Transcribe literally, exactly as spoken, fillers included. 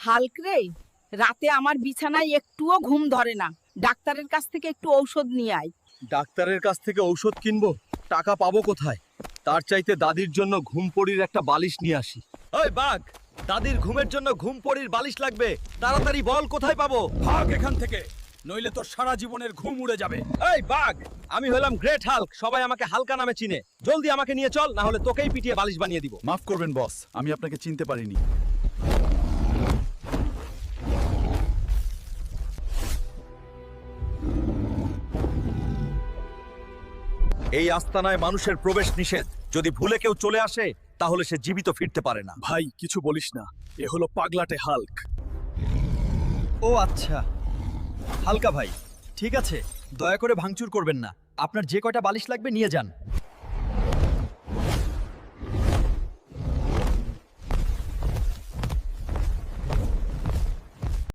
Hulk রে, রাতে আমার বিছানায় একটুও ঘুম ধরে না। ডাক্তারের কাছ থেকে একটু ঔষধ নিয়ে আয়। ডাক্তারের কাছ থেকে ঔষধ কিনবো, টাকা পাবো কোথায়? তার চাইতে দাদির জন্য ঘুমপড়ির একটা বালিশ নিয়ে আসি। ওই বাঘ, দাদির ঘুমের জন্য ঘুমপড়ির বালিশ লাগবে, তাড়াতাড়ি বল কোথায় পাবো? ভাগ এখান থেকে, নইলে তোর সারা জীবনের ঘুম উড়ে যাবে। এই বাঘ, আমি হলাম গ্রেট হাল্ক, সবাই আমাকে হালকা নামে চিনে। জলদি আমাকে নিয়ে চল, না হলে তোকেই পিটিয়ে বালিশ বানিয়ে দিব। মাফ করবেন বস, আমি আপনাকে চিনতে পারিনি। এই আস্তানায় মানুষের প্রবেশ নিষেধ। যদি ভুলে কেউ চলে আসে তাহলে সে জীবিত ফিরতে পারে না। ভাই কিছু বলিস না, এ হলো পাগলাটে হাল্ক। ও আচ্ছা, হালকা ভাই, ঠিক আছে, দয়া করে ভাঙচুর করবেন না। আপনার যে কয়টা বালিশ লাগবে নিয়ে যান।